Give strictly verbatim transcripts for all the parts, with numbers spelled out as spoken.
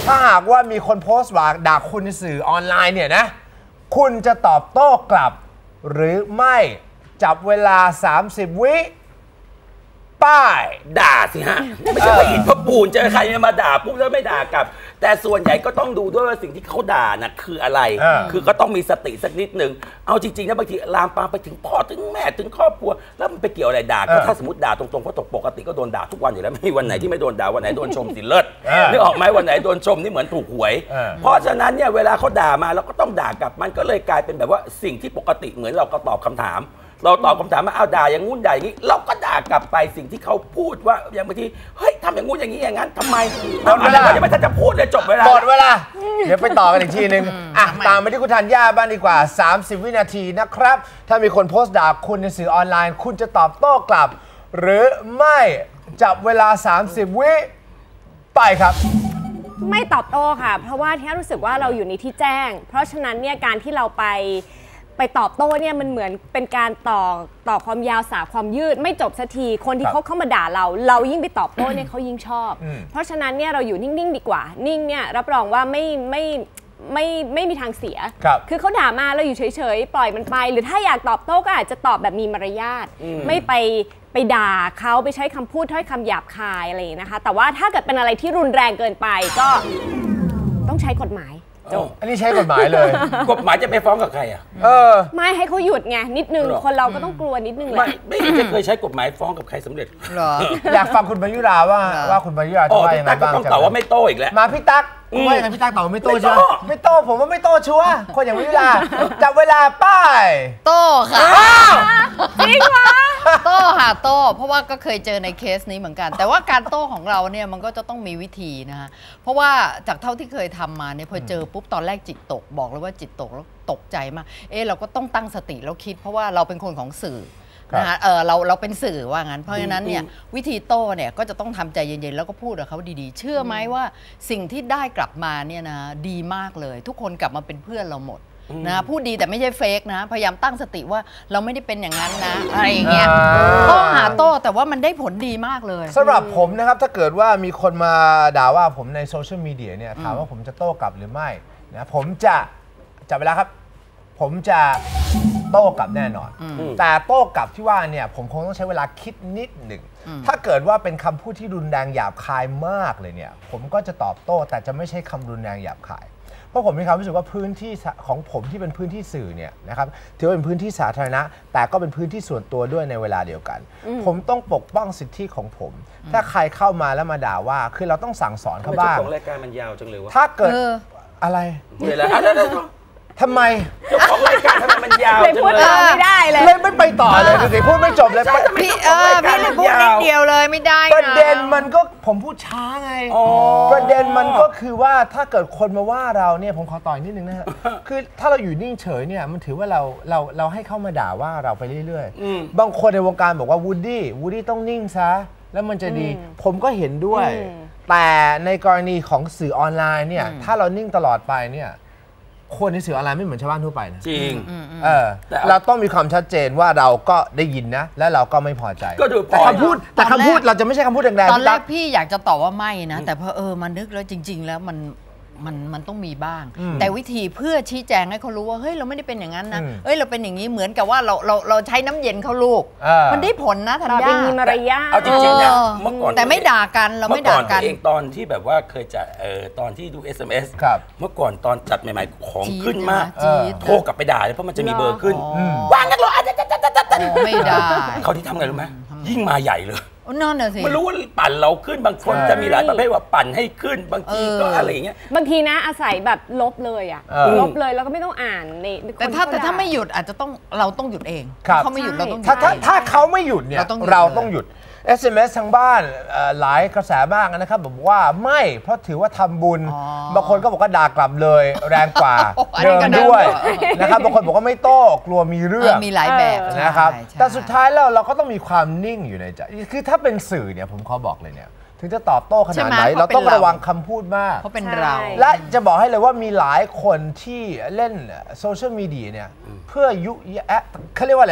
ถ้าหากว่ามีคนโพสต์ว่าด่าคุณในสื่อออนไลน์เนี่ยนะคุณจะตอบโต้กลับหรือไม่จับเวลาสามสิบวิป้ายด่าสิฮะไม่ใช่ว่าอินพระปูนเจอใครมาด่าปุ๊บแล้วไม่ด่ากลับแต่ส่วนใหญ่ก็ต้องดูด้วยว่าสิ่งที่เขาด่านะคืออะไรคือก็ต้องมีสติสักนิดนึงเอาจริงๆนะบางทีลามปามไปถึงพ่อถึงแม่ถึงครอบครัวแล้วมันไปเกี่ยวอะไรด่าก็ถ้าสมมติด่าตรงๆเพราะปกติก็โดนด่าทุกวันอยู่แล้วไม่มีวันไหนที่ไม่โดนด่าวันไหนโดนชมสิเลิศนึกออกไหมวันไหนโดนชมนี่เหมือนถูกหวยเพราะฉะนั้นเนี่ยเวลาเขาด่ามาเราก็ต้องด่ากลับมันก็เลยกลายเป็นแบบว่าสิ่งที่ปกติเหมือนเราก็ตอบคำถามเราตอบคำถามมาเอาด่าอย่างงู้นด่าอย่างนี้เราก็ด่ากลับไปสิ่งที่เขาพูดว่าอย่างบางทีเฮ้ยทำอย่างงู้นอย่างนี้อย่างนั้นทำไมหมดเวลายังไม่ทันจะพูดเลยจบเวลาหมดเวลาเดี๋ยวไปต่อกันอีกทีนึงอ่ะตามไปที่คุณธัญญาบ้างดีกว่าสามสิบวินาทีนะครับถ้ามีคนโพสต์ด่าคุณในสื่อออนไลน์คุณจะตอบโต้กลับหรือไม่จับเวลาสามสิบวิไปครับไม่ตอบโต้ค่ะเพราะว่าที่รู้สึกว่าเราอยู่ในที่แจ้งเพราะฉะนั้นเนี่ยการที่เราไปไปตอบโต้เนี่ยมันเหมือนเป็นการต่อต่อความยาวสาวความยืดไม่จบสักทีคนที่เขาเข้ามาด่าเราเรายิ่งไปตอบโต้เนี่ยเขายิ่งชอบเพราะฉะนั้นเนี่ยเราอยู่นิ่งๆดีกว่านิ่งเนี่ยรับรองว่าไม่ไม่ไม่ไม่มีทางเสียคือเขาด่ามาเราอยู่เฉยๆปล่อยมันไปหรือถ้าอยากตอบโต้ก็อาจจะตอบแบบมีมารยาทไม่ไปไปด่าเขาไปใช้คำพูดถ้อยคำหยาบคายอะไรอย่างนี้นะคะแต่ว่าถ้าเกิดเป็นอะไรที่รุนแรงเกินไปก็ต้องใช้กฎหมายอันนี้ใช้กฎหมายเลยกฎหมายจะไปฟ้องกับใครอ่ะเออไม่ให้เขาหยุดไงนิดนึงคนเราก็ต้องกลัวนิดนึงแหละไม่ไม่จะเคยใช้กฎหมายฟ้องกับใครสำเร็จหรออยากฟังคุณมายุราว่าว่าคุณมายุราจะว่ายังไงบ้างต้องตอบว่าไม่โต้อีกแล้วมาพี่ตั๊กว่าอย่างไรพี่ตั๊กตอบว่าไม่โต้ใช่ไหมไม่โต้ผมว่าไม่โต้ชัวร์คนอย่างมายุราจับเวลาป้ายโต้ค่ะจริงวะโต้ค่ะโต้เพราะว่าก็เคยเจอในเคสนี้เหมือนกันแต่ว่าการโต้ของเราเนี่ยมันก็จะต้องมีวิธีนะคะเพราะว่าจากเท่าที่เคยทำมาเนี่ยพอเจอปุ๊บตอนแรกจิตตกบอกเลยว่าจิตตกแล้วตกใจมากเออเราก็ต้องตั้งสติแล้วคิดเพราะว่าเราเป็นคนของสื่อนะคะเออเราเราเป็นสื่อว่างั้นเพราะฉะนั้นเนี่ยวิธีโต้เนี่ยก็จะต้องทำใจเย็นๆแล้วก็พูดกับเขาดีๆเชื่อไหมว่าสิ่งที่ได้กลับมาเนี่ยนะดีมากเลยทุกคนกลับมาเป็นเพื่อนเราหมดนะพูดดีแต่ไม่ใช่เฟกนะพยายามตั้งสติว่าเราไม่ได้เป็นอย่างนั้นนะอะไรอย่างเงี้ยโต้หาโต้แต่ว่ามันได้ผลดีมากเลยสำหรับผมนะครับถ้าเกิดว่ามีคนมาด่าว่าผมในโซเชียลมีเดียเนี่ยถามว่าผมจะโต้กลับหรือไม่นะผมจะจับเวลาครับผมจะโต้กลับแน่นอนแต่โต้กลับที่ว่าเนี่ยผมคงต้องใช้เวลาคิดนิดหนึ่งถ้าเกิดว่าเป็นคำพูดที่รุนแรงหยาบคายมากเลยเนี่ยผมก็จะตอบโต้แต่จะไม่ใช่คำรุนแรงหยาบคายเพราะผมมีความรู้สึกว่าพื้นที่ของผมที่เป็นพื้นที่สื่อเนี่ยนะครับถือว่าเป็นพื้นที่สาธารณะแต่ก็เป็นพื้นที่ส่วนตัวด้วยในเวลาเดียวกันผมต้องปกป้องสิทธิของผมถ้าใครเข้ามาแล้วมาด่าว่าคือเราต้องสั่งสอนเขาบ้างของรายการมันยาวจังเลยวะถ้าเกิดอะไรเวลาทำไมเจ้าของรายการทำไมมันยาวจังเลยไม่ได้เลยเลยไม่ไปต่อเลยดูสิพูดไม่จบเลยพี่เออพี่เลยพูดนิดเดียวเลยไม่ได้ประเด็นมันก็ผมพูดช้าไงประเด็นมันก็คือว่าถ้าเกิดคนมาว่าเราเนี่ยผมขอต่ออีกนิดนึงนะฮะคือถ้าเราอยู่นิ่งเฉยเนี่ยมันถือว่าเราเราเราให้เข้ามาด่าว่าเราไปเรื่อยๆบางคนในวงการบอกว่าวูดดี้วูดดี้ต้องนิ่งซะแล้วมันจะดีผมก็เห็นด้วยแต่ในกรณีของสื่อออนไลน์เนี่ยถ้าเรานิ่งตลอดไปเนี่ยคนในสื่อออนไลน์ไม่เหมือนชาวบ้านทั่วไปนะจริงเออเราต้องมีความชัดเจนว่าเราก็ได้ยินนะและเราก็ไม่พอใจแต่คำพูดแต่คำพูดเราจะไม่ใช่คำพูดแรงๆตอนแรกพี่อยากจะตอบว่าไม่นะแต่พอเออมันนึกแล้วจริงๆแล้วมันมันมันต้องมีบ้างแต่วิธีเพื่อชี้แจงให้เขารู้ว่าเฮ้ยเราไม่ได้เป็นอย่างนั้นนะเฮ้ยเราเป็นอย่างนี้เหมือนกับว่าเราเราเราใช้น้ำเย็นเขาลูกมันได้ผลนะธัญญามีมารยาทเอาจริงๆนะเมื่อก่อนแต่ไม่ด่ากันเราไม่ด่ากันเองตอนที่แบบว่าเคยจะเอ่อตอนที่ดู เอส เอ็ม เอส เมื่อก่อนตอนจัดใหม่ๆของขึ้นมากโทรกลับไปด่าเลยเพราะมันจะมีเบอร์ขึ้นวางกันหรอไม่ได้เขาที่ทำไงรู้ไหมยิ่งมาใหญ่เลยนั่นน่ะสิมันรู้ว่าปั่นเราขึ้นบางคนจะมีหลายประเภทว่าปั่นให้ขึ้นบางทีก็อะไรอย่างเงี้ยบางทีนะอาศัยแบบลบเลยอ่ะลบเลยแล้วก็ไม่ต้องอ่านในแต่ถ้าแต่ถ้าไม่หยุดอาจจะต้องเราต้องหยุดเองเขาไม่หยุดเราต้องหยุดถ้าถ้าเขาไม่หยุดเนี่ยเราต้องหยุด เอส เอ็ม เอส ทางบ้านหลายกระแสมากนะครับบอกว่าไม่เพราะถือว่าทำบุญบางคนก็บอกว่าด่ากลับเลยแรงกว่าเดินด้วยนะครับบางคนบอกว่าไม่โต้กลัวมีเรื่องมีหลายแบบนะครับแต่สุดท้ายแล้วเราก็ต้องมีความนิ่งอยู่ในใจคือถ้าเป็นสื่อเนี่ยผมขอบอกเลยเนี่ยถึงจะตอบโต้ขนาดไหนเราต้องระวังคำพูดมากเพราะเป็นเราและจะบอกให้เลยว่ามีหลายคนที่เล่นโซเชียลมีเดียเนี่ยเพื่อยุแยะเขาเรียกว่าอะไร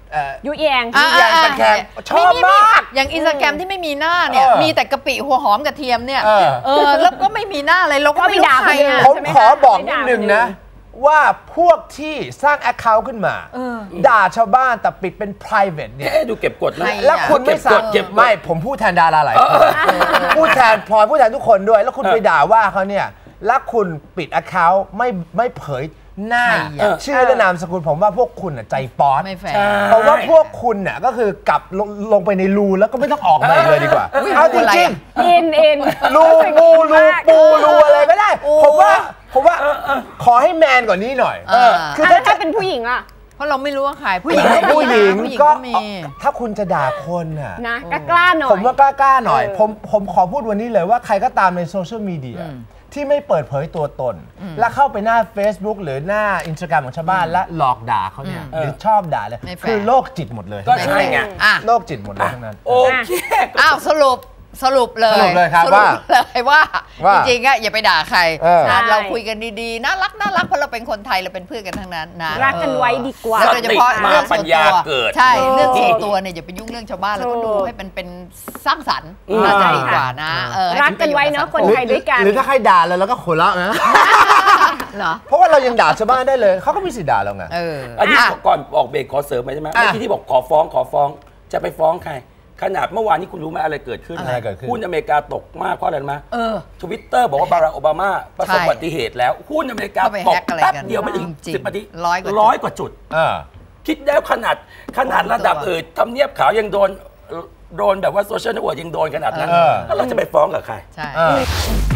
เอ่อยุแยงอ่ะยุแยงตะแคงชอบมากอย่างอินสตาแกรมที่ไม่มีหน้าเนี่ยเออมีแต่กะปิหัวหอมกระเทียมเนี่ยเออเออแล้วก็ไม่มีหน้าอะไรเราก็ไม่รู้ใครอ่ะผมใช่ไหมขอคะบอกไม่นิด่าดนึงคนอื่นนะ ว่าพวกที่สร้าง Account ขึ้นมา ด่าชาวบ้านแต่ปิดเป็น private เนี่ยเอ๊ะดูเก็บกดนะใครแล้วคุณไม่สั่งเก็บกดไม่ผมพูดแทนดาราหลายคนพูดแทนพลอยพูดแทนทุกคนด้วย แล้วคุณไปด่าว่าเขาเนี่ยแล้วคุณปิด Account ไม่ไม่เผยหน้าใครอ่ะชื่อและนามสกุลผมว่าพวกคุณน่ะใจป๊อดไม่แฟร์ใช่เพราะว่าพวกคุณน่ะก็คือกลับลงลงไปในรูแล้วก็ไม่ต้องออกมาอีกเลยดีกว่าอุ๊ยเอาจอะไรริงอ่ะๆเอ็นเอ็นรูปูรูปูรูอะไรก็ได้โอ้ผมว่าผมว่าขอให้แมนกว่านี้หน่อยเออคือถ้าถ้าถ้าจะเป็นผู้หญิงอะเพราะเราไม่รู้ว่าใครผู้หญิงก็มีผู้หญิงนะผู้หญิงก็ก็มีถ้าคุณจะด่าคนน่ะนะกล้าๆหน่อยผมว่ากล้าๆหน่อยเออผมผมขอพูดวันนี้เลยว่าใครก็ตามในโซเชียลมีเดียที่ไม่เปิดเผยตัวตน แล้วเข้าไปหน้า Facebook หรือหน้า Instagram ของชาวบ้านและหลอกด่าเขาเนี่ยหรือชอบด่าเลยไม่แฟร์คือโรคจิตหมดเลยก็ใช่ไงอ่ะโรคจิตหมดเลยทั้งนั้นโอเคอ้าวสรุปสรุปเลยสรุปเลยครับสรุปว่าเลยว่าว่าจริงๆอะอย่าไปด่าใครเออนะใช่เราคุยกันดีๆน่ารักน่ารักเพราะเราเป็นคนไทยเราเป็นเพื่อนกันทั้งนั้นนะรักกันไว้ดีกว่าแล้วโดยเฉพาะเรื่องส่วนปัญญาตัวเกิดใช่ถูกเรื่องส่วนตัวเนี่ยอย่าไปยุ่งเรื่องชาวบ้านแล้วก็ดูให้เป็นเป็นสร้างสรรค์อืมน่าจะดีกว่านะเออให้รักกันไว้เนอะป็ปรโยชคนไทย ด้วยกันหรือถ้าใครด่าเราเราก็หัวเราะนะเหรอเพราะว่าเรายังด่าชาวบ้านได้เลยเขาก็มีสิทธิ์ด่าเราไงเอออันนี้อ่ะก่อนออกเบรกขอเสริมไปใช่ไหมอ่ะเมื่อกี้ที่บอกขอฟ้องขอฟ้องจะไปฟ้องใคร ขนาดเมื่อวานนี้คุณรู้ไหมอะไรเกิดขึ้นอะไรเกิดขึ้นหุ้นอเมริกาตกมากเพราะอะไรรู้ไหมเออทวิตเตอร์บอกว่าบารักโอบามาประสบใช่อุบัติเหตุแล้วหุ้นอเมริกาเข้าไปตแฮกกอะไรแป๊บกันเดียวไม่ถึงจริงๆสิบนาทีร้อยกว่าจุดร้อยกว่าจุดเออคิดแล้วขนาดขนาดระดับเออทำเนียบขาวยังโดนโดนแบบว่าโซเชียลเน็ตเวิร์กยังโดนขนาดนั้นเออแล้วเราจะไปฟ้องกับใครใช่เออ